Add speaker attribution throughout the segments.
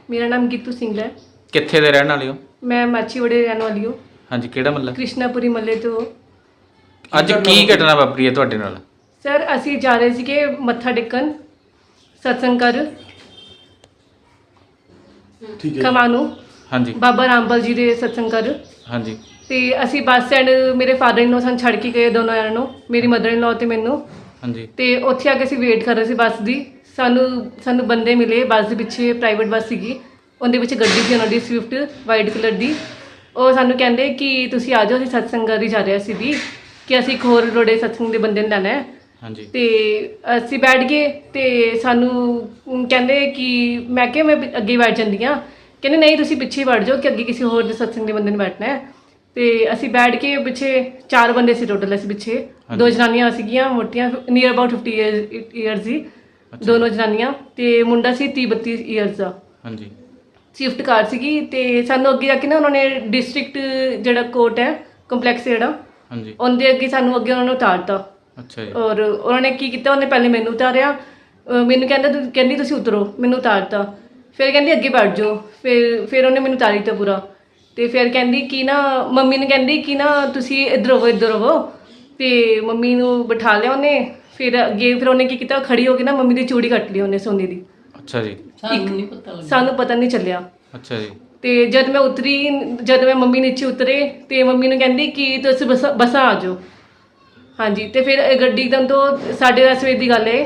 Speaker 1: मेरा नाम गीतू सिंगला है।
Speaker 2: कित्थे दे रहने वाले हो?
Speaker 1: मैं माछीवाड़े रहने वाली हूँ।
Speaker 2: हाँ जी, किहड़ा मਹੱਲਾ?
Speaker 1: कृष्णापुरी मਹੱਲੇ ਤੋਂ।
Speaker 2: ਅੱਜ ਕੀ ਘਟਨਾ ਵਾਪਰੀ ਹੈ ਤੁਹਾਡੇ ਨਾਲ?
Speaker 1: ਸਰ ਅਸੀਂ ਜਾ ਰਹੇ ਸੀਗੇ ਮੱਥਾ ਟੇਕਣ ਸਤਸੰਗ ਕਰ
Speaker 3: ਠੀਕ ਹੈ।
Speaker 1: ਖਮਾਣੂ
Speaker 2: हाँ जी,
Speaker 1: ਬਾਬਾ ਰਾਮਪਾਲ ਜੀ ਦੇ ਸਤਸੰਗ ਕਰ।
Speaker 2: हाँ जी,
Speaker 1: ਤੇ ਅਸੀਂ ਬੱਸ ਸਟੈਂਡ ਮੇਰੇ ਫਾਦਰ ਇਨ ਲੋ ਸਾਨੂੰ ਛੱਡ ਕੇ ਗਏ ਦੋਨੋਂ ਜਣਿਆਂ ਨੂੰ, ਮੇਰੀ ਮਦਰ ਇਨ ਲੋ ਤੇ ਮੈਨੂੰ।
Speaker 2: हाँ जी,
Speaker 1: ਤੇ ਉੱਥੇ ਆ ਕੇ ਅਸੀਂ ਵੇਟ ਕਰ ਰਹੇ ਸੀ ਬੱਸ ਦੀ। ਸਾਨੂੰ ਬੰਦੇ ਮਿਲੇ ਬੱਸ ਦੇ ਪਿੱਛੇ, ਪ੍ਰਾਈਵੇਟ ਬੱਸ ਸੀਗੀ, ਉਹਦੇ ਵਿੱਚ ਗੱਡੀ ਸੀ ਉਹਨਾਂ ਦੀ ਸਵਿਫਟ ਵਾਈਟ ਕਲਰ ਦੀ। ਉਹ ਸਾਨੂੰ ਕਹਿੰਦੇ ਕਿ ਤੁਸੀਂ ਆ ਜਾਓ, ਅਸੀਂ ਸਤਸੰਗ ਕਰ ਹੀ ਜਾ ਰਹੇ ਸੀ ਵੀ ਕਿ ਅਸੀਂ ਇੱਕ ਹੋਰ ਰੋੜੇ ਸਤਸੰਗ ਦੇ ਬੰਦੇ ਨੂੰ ਲੈਣਾ ਹੈ।
Speaker 2: हाँ जी,
Speaker 1: ਤੇ ਅਸੀਂ ਬੈਠ ਗਏ ਤੇ ਸਾਨੂੰ ਕਹਿੰਦੇ ਕਿ ਮੈਂ ਕਿਹਾ ਮੈਂ ਅੱਗੇ ਬੈਠ ਜਾਂਦੀ ਹਾਂ। ਕਹਿੰਦੇ ਨਹੀਂ ਤੁਸੀਂ ਪਿੱਛੇ ਬੈਠ ਜਾਓ ਕਿ ਅੱਗੇ ਕਿਸੇ ਹੋਰ ਦੇ ਸਤਸੰਗ ਦੇ ਬੰਦੇ ਨੇ ਬੈਠਣਾ ਹੈ। ਤੇ ਅਸੀਂ ਬੈਠ ਕੇ ਪਿੱਛੇ 4 ਬੰਦੇ ਸੀ ਟੋਟਲ, ਅਸੀਂ ਪਿੱਛੇ 2 ਜਨਾਨੀਆਂ ਸੀਗੀਆਂ ਮੋਟੀਆਂ, ਨੀਅਰ ਅਬਾਊਟ 50 ਈਅਰਸ ਸੀ ਦੋਨੋਂ ਜਨਾਨੀਆਂ, ਤੇ ਮੁੰਡਾ ਸੀ 30-32 ਈਅਰਸ ਦਾ।
Speaker 2: हाँ जी,
Speaker 1: ਸ਼ਿਫਟ ਕਾਰ ਸੀਗੀ। ਤੇ ਸਾਨੂੰ ਅੱਗੇ ਜਾ ਕੇ ਨਾ ਉਹਨਾਂ ਨੇ ਡਿਸਟ੍ਰਿਕਟ ਜਿਹੜਾ ਕੋਰਟ ਹੈ ਕੰਪਲੈਕਸ ਜਿਹੜਾ,
Speaker 2: हाँ जी,
Speaker 1: ਉਹਦੇ ਅੱਗੇ ਸਾਨੂੰ ਅੱਗੇ ਉਹਨਾਂ ਨੇ ਉਤਾਰਤਾ।
Speaker 2: अच्छा जी,
Speaker 1: ਔਰ ਉਹਨਾਂ ਨੇ ਕੀ ਕੀਤਾ, ਉਹਨੇ ਪਹਿਲੇ ਮੈਨੂੰ ਉਤਾਰਿਆ, ਮੈਨੂੰ ਕਹਿੰਦੀ ਤੁਸੀਂ ਉਤਰੋ, ਮੈਨੂੰ ਉਤਾਰਤਾ। ਫਿਰ ਕਹਿੰਦੀ ਅੱਗੇ ਬੈਠ ਜਾਓ, ਫਿਰ ਉਹਨੇ ਮੈਨੂੰ ਉਤਾਰੀ ਤਾ ਪੂਰਾ। ਤੇ ਫਿਰ ਕਹਿੰਦੀ ਕਿ ਨਾ ਮੰਮੀ ਨੂੰ ਕਹਿੰਦੀ ਕਿ ਨਾ ਤੁਸੀਂ ਇੱਧਰ ਹੋਵੋ। ਤੇ ਮੰਮੀ ਨੂੰ ਬਿਠਾ ਲਿਆ ਉਹਨੇ। ਫਿਰ ਅੱਗੇ ਫਿਰ ਉਹਨੇ ਕੀ ਕੀਤਾ, ਖੜੀ ਹੋ ਕੇ ਨਾ ਮੰਮੀ ਦੀ ਚੂੜੀ ਕੱਟ ਲਈ ਉਹਨੇ ਸੋਨੇ ਦੀ।
Speaker 2: अच्छा जी,
Speaker 1: ਸਾਨੂੰ ਪਤਾ ਨਹੀਂ ਚੱਲਿਆ।
Speaker 2: अच्छा जी,
Speaker 1: ਤੇ ਜਦ ਮੈਂ ਮੰਮੀ ਨੀਚੇ ਉਤਰੇ ਤੇ ਮੰਮੀ ਨੂੰ ਕਹਿੰਦੀ ਕਿ ਤੁਸੀਂ ਬਸਾਂ ਆ ਜਾਓ। ਹਾਂਜੀ। ਤੇ ਫਿਰ ਗੱਡੀ ਇੱਕਦਮ ਤੋਂ 10:30 ਵਜੇ ਦੀ ਗੱਲ ਹੈ।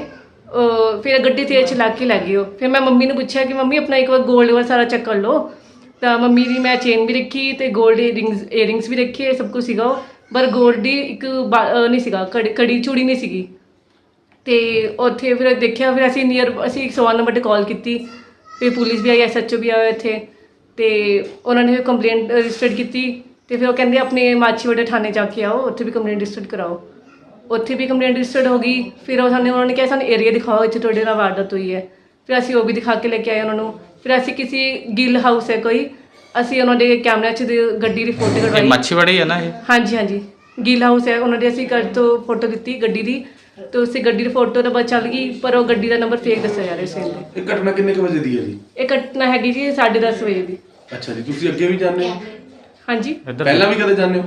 Speaker 1: ਫਿਰ ਗੱਡੀ ਤੇਜ਼ ਚਲਾ ਕੇ ਲੈ ਗਏ ਉਹ। ਫਿਰ ਮੈਂ ਮੰਮੀ ਨੂੰ ਪੁੱਛਿਆ ਕਿ ਮੰਮੀ ਆਪਣਾ ਇੱਕ ਵਾਰ ਗੋਲਡ ਵਾਲਾ ਸਾਰਾ ਚੈੱਕ ਕਰ ਲਓ। ਤਾਂ ਮੰਮੀ ਦੀ ਮੈਂ ਚੇਨ ਵੀ ਰੱਖੀ ਤੇ ਗੋਲਡ ਏਅਰਿੰਗਸ ਵੀ ਰੱਖੇ, ਸਭ ਕੁਝ ਸੀਗਾ ਉਹ, ਪਰ ਗੋਲਡ ਦੀ ਇੱਕ ਨਹੀਂ ਸੀਗਾ, ਕੜੀ ਚੂੜੀ ਨਹੀਂ ਸੀਗੀ। ਤੇ ਉੱਥੇ ਫਿਰ ਦੇਖਿਆ, ਫਿਰ ਅਸੀਂ 101 ਨੰਬਰ 'ਤੇ ਕਾਲ ਕੀਤੀ। ਫਿਰ ਪੁਲਿਸ ਵੀ ਆਈ, SHO ਵੀ ਆਇਆ ਇੱਥੇ। ਤੇ ਉਹਨਾਂ ਨੇ ਫਿਰ ਕੰਪਲੇਂਟ ਰਜਿਸਟਰ ਕੀਤੀ। ਤੇ ਫਿਰ ਉਹ ਕਹਿੰਦੇ ਆਪਣੇ ਮਾਛੀਵਾੜੇ ਥਾਣੇ ਜਾ ਕੇ ਆਓ, ਉੱਥੇ ਵੀ ਕੰਪਲੇਂਟ ਰਜਿਸਟਰ ਕਰਾਓ। ਉੱਥੇ ਵੀ ਕੰਪਲੇਂਟ ਰਜਿਸਟਰਡ ਹੋ ਗਈ। ਫਿਰ ਉਹਨਾਂ ਨੇ ਕਿਹਾ ਸਾਨੂੰ ਏਰੀਆ ਦਿਖਾਓ ਇੱਥੇ ਤੁਹਾਡੇ ਨਾਲ ਵਾਰਦਾਤ ਹੋਈ ਹੈ। ਫਿਰ ਅਸੀਂ ਉਹ ਵੀ ਦਿਖਾ ਕੇ ਲੈ ਕੇ ਆਏ ਉਹਨਾਂ ਨੂੰ। ਫਿਰ ਅਸੀਂ ਕਿਸੇ ਗਿੱਲ ਹਾਊਸ ਹੈ ਕੋਈ, ਅਸੀਂ ਉਹਨਾਂ ਦੇ ਕੈਮਰਿਆਂ 'ਚ ਗੱਡੀ ਦੀ ਫੋਟੋ
Speaker 2: ये
Speaker 1: ਕਢਵਾਈ।
Speaker 2: मच्छीवाड़ी है ना ये?
Speaker 1: ਹਾਂਜੀ ਗਿੱਲ ਹਾਊਸ ਹੈ ਉਹਨਾਂ ਦੇ। ਅਸੀਂ ਘਰ ਤੋਂ ਫੋਟੋ ਦਿੱਤੀ ਗੱਡੀ ਦੀ, ਤੇ ਉਸੇ ਗੱਡੀ ਦੀ ਫੋਟੋ ਤਾਂ ਬਸ ਚੱਲ ਗਈ, ਪਰ ਉਹ ਗੱਡੀ ਦਾ ਨੰਬਰ ਫੇਕ ਦੱਸਿਆ ਜਾ ਰਿਹਾ ਸੀ ਇਹਦੇ।
Speaker 3: ਇਹ ਘਟਨਾ ਕਿੰਨੇ ਕੁ ਵਜੇ ਦੀ ਹੈ ਜੀ?
Speaker 1: ਇਹ ਘਟਨਾ ਹੈਗੀ ਜੀ 10:30 ਵਜੇ ਦੀ।
Speaker 3: ਅੱਛਾ ਜੀ, ਤੁਸੀਂ ਅੱਗੇ ਵੀ ਜਾਂਦੇ ਹੋ?
Speaker 1: ਹਾਂਜੀ।
Speaker 2: इधर
Speaker 3: ਪਹਿਲਾਂ ਵੀ ਕਦੇ ਜਾਂਦੇ ਹੋ?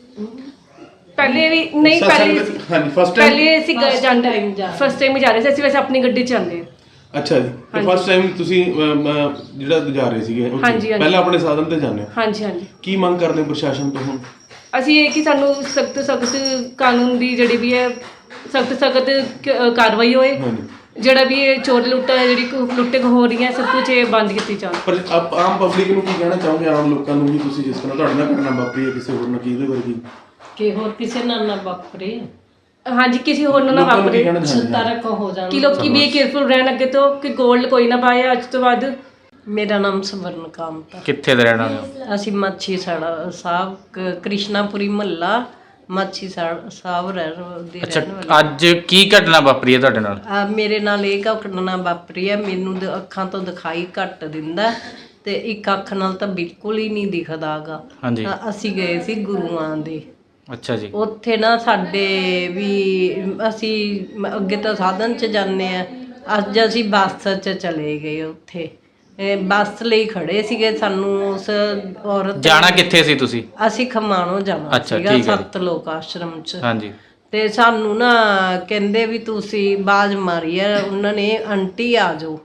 Speaker 1: ਪਹਿਲੇ ਵੀ ਨਹੀਂ, ਪਹਿਲੇ
Speaker 3: ਹਾਂਜੀ, ਫਸਟ ਟਾਈਮ?
Speaker 1: ਪਹਿਲੇ ਅਸੀਂ ਜਾਂਦੇ ਫਸਟ ਟਾਈਮ ਹੀ ਜਾ ਰਹੇ ਸੀ ਅਸੀਂ, ਵੈਸੇ ਆਪਣੀ ਗੱਡੀ 'ਚ ਜਾਂਦੇ ਹਾਂ।
Speaker 3: ਅੱਛਾ ਜੀ, ਤੇ ਫਸਟ ਟਾਈਮ ਤੁਸੀਂ ਜਿਹੜਾ ਜਾ ਰਹੇ ਸੀਗੇ ਉੱਥੇ,
Speaker 1: ਹਾਂਜੀ।
Speaker 3: ਪਹਿਲਾਂ ਆਪਣੇ ਸਾਧਨ ਤੇ ਜਾਂਦੇ ਹੋ?
Speaker 1: ਹਾਂਜੀ।
Speaker 3: ਕੀ ਮੰਗ ਕਰਦੇ ਹੋ ਪ੍ਰਸ਼ਾਸਨ ਤੋਂ ਹੁਣ?
Speaker 1: ਅਸੀਂ ਇਹ ਕਿ ਸਾਨੂੰ ਸਖਤ ਕਾਨੂੰਨ ਦੀ ਜਿਹੜੀ ਵੀ ਹੈ ਸਖਤ ਕਾਰਵਾਈ ਹੋਏ।
Speaker 3: ਹਾਂਜੀ।
Speaker 1: ਜਿਹੜਾ ਵੀ ਇਹ ਚੋਰ ਲੁੱਟਾ ਹੈ, ਜਿਹੜੀ ਲੁੱਟੇ ਹੋ ਰਹੀਆਂ, ਸਭ ਕੁਝ ਇਹ ਬੰਦ ਕੀਤੀ ਜਾਵੇ।
Speaker 3: ਪਰ ਆਮ ਪਬਲਿਕ ਨੂੰ ਕੀ ਕਹਿਣਾ ਚਾਹੋਗੇ, ਆਮ ਲੋਕਾਂ ਨੂੰ ਵੀ, ਤੁਸੀਂ ਜਿਸ ਤਰ੍ਹਾਂ ਤੁਹਾਡੇ ਨਾਲ ਘਟਨਾ ਵਾਪਰੀ ਹੈ ਕਿਸੇ ਹੋਰ ਨਾਲ, ਕੀ ਇਹਦੇ ਵਰਗੀ
Speaker 4: ਕਿ ਹੋਰ ਕਿਸੇ ਨਾਲ ਨਾ ਵਾਪਰੇ,
Speaker 1: ਹਾਂਜੀ, ਕਿਸੇ ਹੋਰ ਨੂੰ ਨਾ
Speaker 3: ਲੋਕਾਂ ਨੂੰ ਕੀ
Speaker 1: ਵਾਪਰੇ,
Speaker 3: ਕਹਿਣਾ ਚਾਹੁੰਦੇ ਹੋ?
Speaker 4: ਸਤਰਕ ਹੋ ਜਾਣ।
Speaker 1: ਕਿ ਲੋਕੀ ਵੀ ਕੇਅਰਫੁਲ ਰਹਿਣ ਅੱਗੇ ਤੋਂ, ਕਿ ਗੋਲਡ ਕੋਈ ਨਾ ਪਾਏ ਅੱਜ ਤੋਂ ਬਾਅਦ।
Speaker 4: ਮੇਰਾ ਨਾਮ ਸਵਰਨ ਕਾਮਤ ਹੈ।
Speaker 2: कित्थे दे रहने वाले हो?
Speaker 4: ਅਸੀਂ ਮਾਛੀ ਸਾਹਿਬ ਕ੍ਰਿਸ਼ਨਾਪੁਰੀ ਮਹੱਲਾ ਮਾਛੀ ਸਾਹਿਬ ਦੇ
Speaker 2: अच्छा,
Speaker 4: ਰਹਿਣ ਵਾਲੇ।
Speaker 2: ਅੱਜ ਕੀ ਘਟਨਾ ਵਾਪਰੀ ਹੈ ਤੁਹਾਡੇ ਨਾਲ?
Speaker 4: ਮੇਰੇ ਨਾਲ ਇਹ ਘਟਨਾ ਵਾਪਰੀ ਹੈ। ਮੈਨੂੰ ਅੱਖਾਂ ਤੋਂ ਦਿਖਾਈ ਘੱਟ ਦਿੰਦਾ ਤੇ ਇੱਕ ਅੱਖ ਨਾਲ ਤਾਂ ਬਿਲਕੁਲ ਹੀ ਨਹੀਂ ਦਿਖਦਾਗਾ।
Speaker 2: हाँ जी,
Speaker 4: ਅਸੀਂ ਗਏ ਸੀ ਗੁਰੂਆਂ ਦੇ,
Speaker 2: अच्छा जी,
Speaker 4: ਉੱਥੇ ਨਾ ਸਾਡੇ ਵੀ ਅਸੀਂ ਅੱਗੇ ਤਾਂ ਸਾਧਨ 'ਚ ਜਾਂਦੇ ਆ, ਅੱਜ ਅਸੀਂ ਬੱਸ 'ਚ ਚਲੇ ਗਏ। ਉੱਥੇ ਬੱਸ ਲਈ ਖੜੇ ਸੀਗੇ, ਸਾਨੂੰ ਉਸ ਔਰਤ
Speaker 2: ਜਾਣਾ ਕਿੱਥੇ ਸੀ ਤੁਸੀਂ?
Speaker 4: ਅਸੀਂ ਖਮਾਣੋ ਜਾਣਾ
Speaker 2: ਅੱਛਾ,
Speaker 4: ਸੀਗਾ,
Speaker 2: ਠੀਕ ਹੈ।
Speaker 4: ਸੱਤ ਲੋਕ ਆਸ਼ਰਮ 'ਚ।
Speaker 2: हाँ जी,
Speaker 4: ਤੇ ਸਾਨੂੰ ਨਾ ਕਹਿੰਦੇ ਵੀ ਤੁਸੀਂ ਆਵਾਜ਼ ਮਾਰੀ ਆ, ਉਹਨਾਂ ਨੇ ਆਂਟੀ ਆ ਜਾਓ,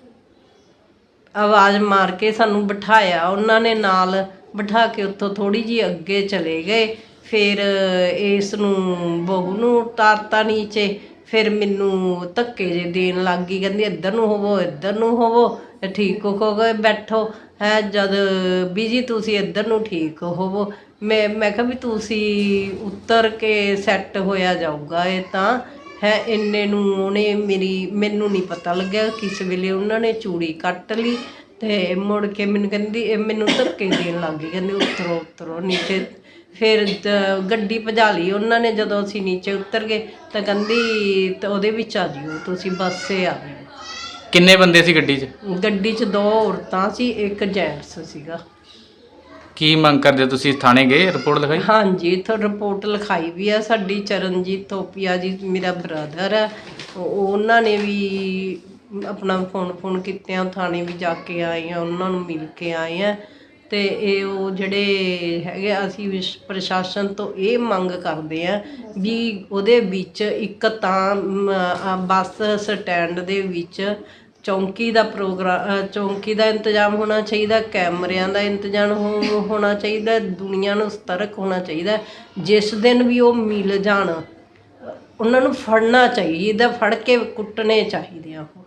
Speaker 4: ਆਵਾਜ਼ ਮਾਰ ਕੇ ਸਾਨੂੰ ਬਿਠਾਇਆ ਉਹਨਾਂ ਨੇ, ਨਾਲ ਬਿਠਾ ਕੇ ਉੱਥੋਂ ਥੋੜੀ ਜਿਹੀ ਅੱਗੇ ਚਲੇ ਗਏ। ਫਿਰ ਇਸ ਨੂੰ ਬਹੂ ਨੂੰ ਉਤਾਰਤਾ ਨੀਚੇ। ਫਿਰ ਮੈਨੂੰ ਧੱਕੇ ਜੇ ਦੇਣ ਲੱਗ ਗਈ, ਕਹਿੰਦੀ ਇੱਧਰ ਨੂੰ ਹੋਵੋ, ਠੀਕ ਹੋ ਗਏ, ਬੈਠੋ ਹੈ। ਜਦ ਬੀਜੀ ਤੁਸੀਂ ਇੱਧਰ ਨੂੰ ਠੀਕ ਹੋਵੋ, ਮੈਂ ਕਿਹਾ ਵੀ ਤੁਸੀਂ ਉਤਰ ਕੇ ਸੈੱਟ ਹੋਇਆ ਜਾਊਗਾ ਇਹ ਤਾਂ ਹੈ। ਇੰਨੇ ਨੂੰ ਉਹਨੇ ਮੈਨੂੰ ਨਹੀਂ ਪਤਾ ਲੱਗਿਆ ਕਿਸ ਵੇਲੇ ਉਹਨਾਂ ਨੇ ਚੂੜੀ ਕੱਟ ਲਈ। ਤੇ ਮੁੜ ਕੇ ਮੈਨੂੰ ਕਹਿੰਦੀ, ਮੈਨੂੰ ਧੱਕੇ ਦੇਣ ਲੱਗ ਗਈ, ਕਹਿੰਦੀ ਉਤਰੋ ਨੀਚੇ। ਫਿਰ ਗੱਡੀ ਭਜਾ ਲਈ ਉਹਨਾਂ ਨੇ। ਜਦੋਂ ਅਸੀਂ ਨੀਚੇ ਉਤਰ ਗਏ ਤਾਂ ਕਹਿੰਦੀ ਤਾਂ ਉਹਦੇ ਵਿੱਚ ਆ ਜਿਓ ਤੁਸੀਂ, ਬੱਸੇ ਆ ਜਿਓ।
Speaker 2: ਕਿੰਨੇ ਬੰਦੇ ਸੀ ਗੱਡੀ 'ਚ?
Speaker 4: ਗੱਡੀ 'ਚ 2 ਔਰਤਾਂ ਸੀ, ਇੱਕ ਜੈਂਟਸ ਸੀਗਾ।
Speaker 2: ਕੀ ਮੰਗ ਕਰਦੇ ਹੋ ਤੁਸੀਂ? ਥਾਣੇ ਗਏ, ਰਿਪੋਰਟ ਲਿਖਾਈ?
Speaker 4: ਹਾਂਜੀ, ਇੱਥੋਂ ਰਿਪੋਰਟ ਲਿਖਾਈ ਵੀ ਆ। ਸਾਡੀ ਚਰਨਜੀਤ ਥੋਪੀਆ ਜੀ ਮੇਰਾ ਬ੍ਰਦਰ ਹੈ, ਉਹਨਾਂ ਨੇ ਵੀ ਆਪਣਾ ਫੋਨ ਕੀਤਿਆਂ ਥਾਣੇ ਵੀ ਜਾ ਕੇ ਆਏ ਆ, ਉਹਨਾਂ ਨੂੰ ਮਿਲ ਕੇ ਆਏ ਆ। ਤੇ ਇਹ ਉਹ ਜਿਹੜੇ ਹੈਗੇ ਅਸੀਂ ਪ੍ਰਸ਼ਾਸਨ ਤੋਂ ਇਹ ਮੰਗ ਕਰਦੇ ਆ ਵੀ ਉਹਦੇ ਵਿੱਚ ਇੱਕ ਤਾਂ ਬੱਸ ਸਟੈਂਡ ਦੇ ਵਿੱਚ ਚੌਂਕੀ ਦਾ ਚੌਂਕੀ ਦਾ ਇੰਤਜ਼ਾਮ ਹੋਣਾ ਚਾਹੀਦਾ, ਕੈਮਰਿਆਂ ਦਾ ਇੰਤਜ਼ਾਮ ਹੋਣਾ ਚਾਹੀਦਾ, ਦੁਨੀਆ ਨੂੰ ਸਤਰਕ ਹੋਣਾ ਚਾਹੀਦਾ। ਜਿਸ ਦਿਨ ਵੀ ਉਹ ਮਿਲ ਜਾਣ ਉਹਨਾਂ ਨੂੰ ਫੜਨਾ ਚਾਹੀਦਾ, ਫੜ ਕੇ ਕੁੱਟਣੇ ਚਾਹੀਦੇ ਆ ਉਹ।